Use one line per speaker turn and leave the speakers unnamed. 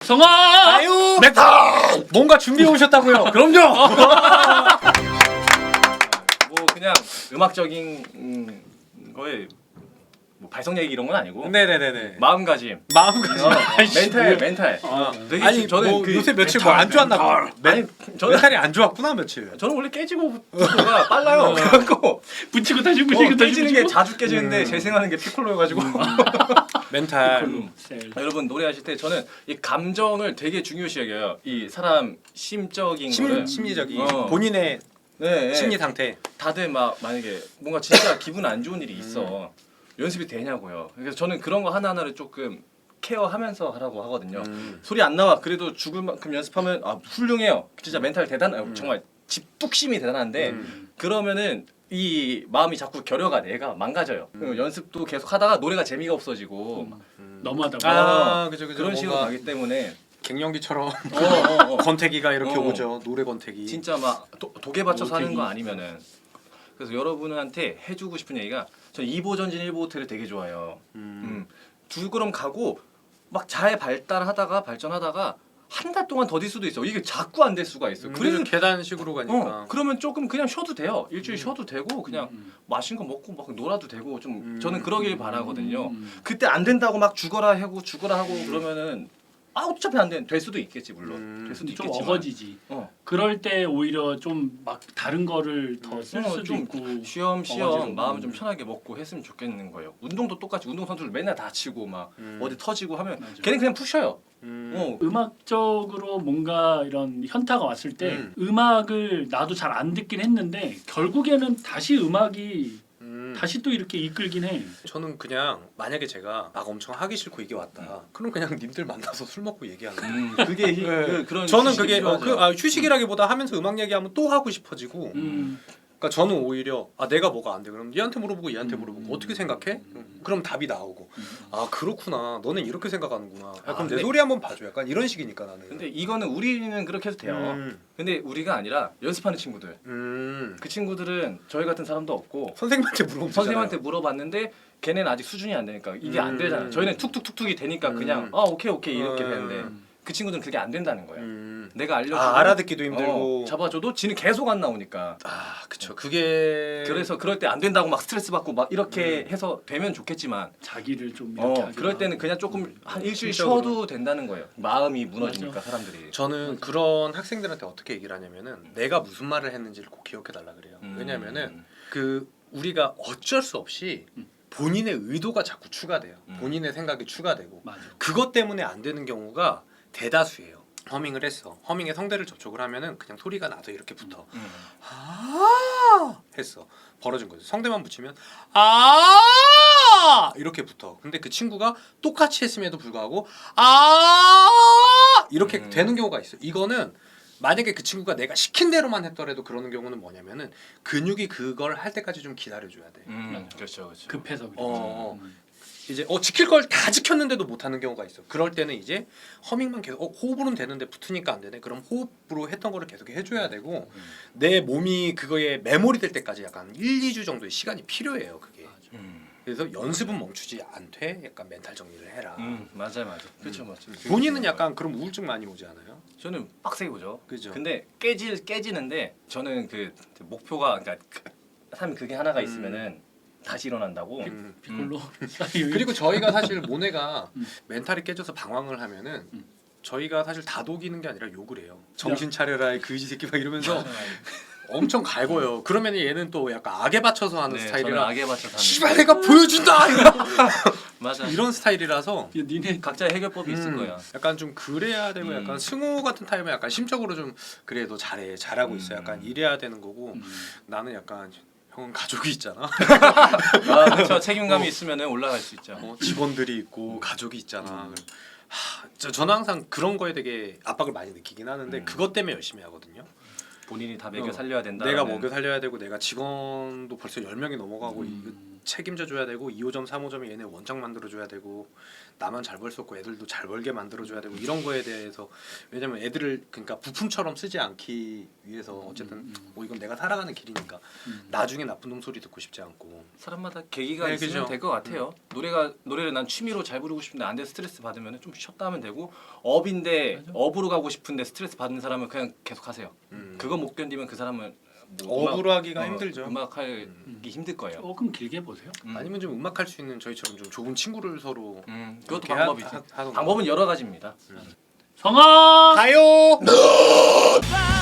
박성아!
아유 메탈 뭔가 준비해 오셨다고요? 그럼요.
뭐 그냥 음악적인 거에 뭐 발성 얘기 이런 건 아니고
네네네네.
마음가짐.
마음가짐.
멘탈. 되게
아니
저는
뭐
그
요새 며칠 뭐 안 좋았나 봐.
아니 저는
멘탈이 안 좋았구나 며칠.
저는 원래 깨지고가 빨라요. 그래갖고
붙이고 다시 붙이고 다시
깨지는 게
붙이고.
자주 깨지는데 재생하는 게 피콜로여가지고
멘탈.
여러분 노래하실 때 저는 이 감정을 되게 중요시 여겨요. 이 사람 심적인 거를
심리적인
본인의 네,
심리 상태.
다들 막 만약에 뭔가 진짜 기분 안 좋은 일이 있어 연습이 되냐고요. 그래서 저는 그런 거 하나하나를 조금 케어하면서 하라고 하거든요. 소리 안 나와 그래도 죽을 만큼 연습하면 아 훌륭해요. 진짜 멘탈 정말 집뚝심이 대단한데 그러면은 이 마음이 자꾸 결여가 내가 망가져요. 연습도 계속 하다가 노래가 재미가 없어지고
너무하다고.
그죠.
그런 식으로 가기 때문에
갱년기처럼 권태기가 이렇게 오죠. 노래 권태기.
진짜 막 독에 받쳐서 하는 거 아니면은 그래서 여러분한테 해주고 싶은 얘기가 저는 2보 전진 1보 호텔을 되게 좋아해요. 두 걸음 가고 막 잘 발전하다가 한 달 동안 더딜 수도 있어. 이게 자꾸 안 될 수가 있어.
그래서 계단식으로 가니까.
그러면 조금 그냥 쉬어도 돼요. 일주일 쉬어도 되고 그냥 맛있는 거 먹고 막 놀아도 되고 좀 저는 그러길 바라거든요. 그때 안 된다고 막 죽어라 하고 그러면은 어차피 안 돼. 될 수도 있겠지 물론. 될 수도
좀
있겠지만.
어거지지. 그럴 때 오히려 좀 막 다른 거를 더 쓸 수도
좀
있고.
쉬엄쉬엄
어거지로.
마음을 좀 편하게 먹고 했으면 좋겠는 거예요. 운동도 똑같이 운동 선수들 맨날 다치고 막 어디 터지고 하면
맞아.
걔는 그냥 푸셔요.
음악적으로 뭔가 이런 현타가 왔을 때 음악을 나도 잘 안 듣긴 했는데 결국에는 다시 음악이 다시 또 이렇게 이끌긴 해.
저는 그냥 만약에 제가 막 엄청 하기 싫고 이게 왔다. 그럼 그냥 님들 만나서 술 먹고 얘기하는 거예요.
그게
네.
그런
저는
휴식이
그게
필요하죠.
휴식이라기보다 하면서 음악 얘기하면 또 하고 싶어지고. 그러니까 저는 오히려 내가 뭐가 안 돼. 그럼 얘한테 물어보고 얘한테 물어보고 어떻게 생각해? 그럼 답이 나오고 그렇구나. 너는 이렇게 생각하는구나. 그럼 내
근데-
소리 한번 봐줘. 약간 이런 식이니까 나는.
근데 이거는 우리는 그렇게 해도 돼요. 근데 우리가 아니라 연습하는 친구들. 그 친구들은 저희 같은 사람도 없고
선생님한테 물어보면
선생님한테 물어봤는데 걔네는 아직 수준이 안 되니까 이게 안 되잖아요. 저희는 툭툭툭툭이 되니까 그냥 오케이 이렇게 되는데 그 친구들은 그게 안 된다는 거예요. 내가 알려주고
알아듣기도 힘들고.
잡아줘도 지는 계속 안 나오니까.
그쵸. 그게
그래서 그럴 때 안 된다고 막 스트레스 받고 막 이렇게 해서 되면 좋겠지만
자기를 좀 이렇게 하기도
그럴 때는
하고.
그냥 조금 한 일주일
심적으로.
쉬어도 된다는 거예요. 마음이 무너지니까 사람들이.
저는 그런 학생들한테 어떻게 얘기를 하냐면은 내가 무슨 말을 했는지를 꼭 기억해 달라 그래요. 왜냐면은 그 우리가 어쩔 수 없이 본인의 의도가 자꾸 추가돼요. 본인의 생각이 추가되고
맞아.
그것 때문에 안 되는 경우가 대다수예요. 허밍을 했어. 허밍에 성대를 접촉을 하면은 그냥 소리가 나서 이렇게 붙어. 했어. 벌어진 거죠. 성대만 붙이면 이렇게 붙어. 근데 그 친구가 똑같이 했음에도 불구하고 이렇게 되는 경우가 있어. 이거는 만약에 그 친구가 내가 시킨 대로만 했더라도 그러는 경우는 뭐냐면은 근육이 그걸 할 때까지 좀 기다려줘야 돼.
그렇죠.
급해서 그래.
이제 지킬 걸 다 지켰는데도 못하는 경우가 있어. 그럴 때는 이제 허밍만 계속 호흡으로는 되는데 붙으니까 안 되네. 그럼 호흡으로 했던 거를 계속 해줘야 되고 내 몸이 그거에 메모리 될 때까지 약간 1, 2주 정도의 시간이 필요해요. 그게. 그래서 연습은 멈추지 않되 약간 멘탈 정리를 해라.
맞아요. 그렇죠.
본인은 약간 그럼 우울증 많이 오지 않아요?
저는 빡세게 오죠.
그죠.
근데 깨지는데 저는 그 목표가 그러니까 사람이 그게 하나가 있으면은 다시 일어난다고.
피콜로.
그리고 저희가 사실 모네가 멘탈이 깨져서 방황을 하면은 저희가 사실 다독이는 게 아니라 욕을 해요. 정신 차려라 이 그지 새끼 막 이러면서 엄청 갈고요. 그러면 얘는 또 약간 악에 받쳐서 하는
저는
스타일이라
악에 맞춰서
씨발 내가 보여준다
맞아.
이런 스타일이라서
니네
각자의 해결법이 있을 거야.
약간 좀 그래야 되고 약간 승우 같은 타입은 약간 심적으로 좀 그래 너 잘하고 있어 약간 이래야 되는 거고 나는 약간 형은 가족이 있잖아.
그렇죠. 책임감이 있으면은 올라갈 수 있죠.
직원들이 있고 가족이 있잖아. 저는 항상 그런 거에 되게 압박을 많이 느끼긴 하는데 그것 때문에 열심히 하거든요.
본인이 다 먹여 살려야 된다.
내가 먹여 살려야 되고 내가 직원도 벌써 10명이 넘어가고 책임져 줘야 되고 2호점 3호점이 얘네 원장 만들어 줘야 되고 나만 잘 벌 수 없고 애들도 잘 벌게 만들어 줘야 되고 이런 거에 대해서 왜냐면 애들을 그러니까 부품처럼 쓰지 않기 위해서 어쨌든 뭐 이건 내가 살아가는 길이니까 나중에 나쁜 놈 소리 듣고 싶지 않고
사람마다 계기가
네,
있으면
그죠.
될 것 같아요. 노래를 난 취미로 잘 부르고 싶은데 안 돼 스트레스 받으면 좀 쉬었다 하면 되고 업으로 가고 싶은데 스트레스 받는 사람은 그냥 계속 하세요. 그거 못 견디면 그 사람은 뭐
업으로 하기가 힘들죠.
음악하기 힘들 거예요.
조금 길게 보세요.
아니면 좀 음악할 수 있는 저희처럼 좀 좁은 친구를 서로
그것도
이렇게
방법이지.
하던가.
방법은 여러 가지입니다.
성아
가요.